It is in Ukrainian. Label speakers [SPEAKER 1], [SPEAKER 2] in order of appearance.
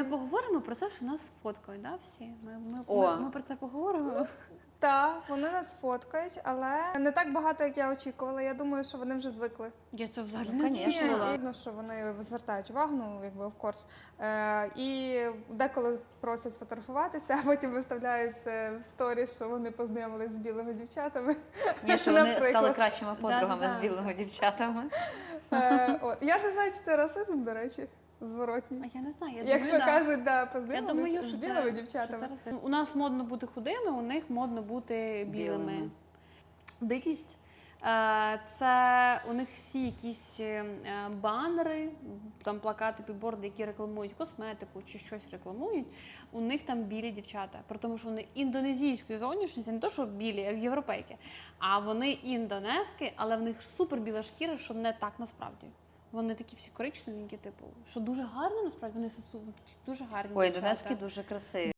[SPEAKER 1] Ми поговоримо про це, що нас фоткають, да, всі? Ми про це поговоримо.
[SPEAKER 2] Так, вони нас фоткають, але не так багато, як я очікувала. Я думаю, що вони вже звикли.
[SPEAKER 1] Я це взагалі
[SPEAKER 3] Ну,
[SPEAKER 1] не
[SPEAKER 3] конечно.
[SPEAKER 1] чула.
[SPEAKER 2] Видно, що вони звертають увагу, ну, якби, of course. І деколи просять сфотографуватися, а потім виставляють це в сторіс, що вони познайомились з білими дівчатами.
[SPEAKER 3] Ні, що вони
[SPEAKER 2] Наприклад.
[SPEAKER 3] стали кращими подругами
[SPEAKER 1] Да-да-да.
[SPEAKER 3] з білими дівчатами.
[SPEAKER 2] Я не знаю, чи це расизм, до речі, зворотній.
[SPEAKER 1] А я не знаю, я
[SPEAKER 2] Якщо
[SPEAKER 1] думаю, да.
[SPEAKER 2] кажуть, да,
[SPEAKER 1] Я
[SPEAKER 2] познайомились
[SPEAKER 1] думаю,
[SPEAKER 2] з
[SPEAKER 1] що
[SPEAKER 2] білими
[SPEAKER 1] це
[SPEAKER 2] дівчатами.
[SPEAKER 1] що зараз у нас модно бути худими, у них модно бути білими.
[SPEAKER 3] Білими.
[SPEAKER 1] Дикість це у них всі якісь банери, там плакати, підборди, які рекламують косметику чи щось рекламують. У них там білі дівчата. При тому, що вони індонезійської зовнішності, не то, що білі, як європейки, а вони індонезки, але в них супер біла шкіра, що не так насправді. Вони такі всі коричневенькі, типу, що дуже гарно насправді, вони дуже гарні
[SPEAKER 3] Ой,
[SPEAKER 1] дівчата.
[SPEAKER 3] донецькі дуже красиві.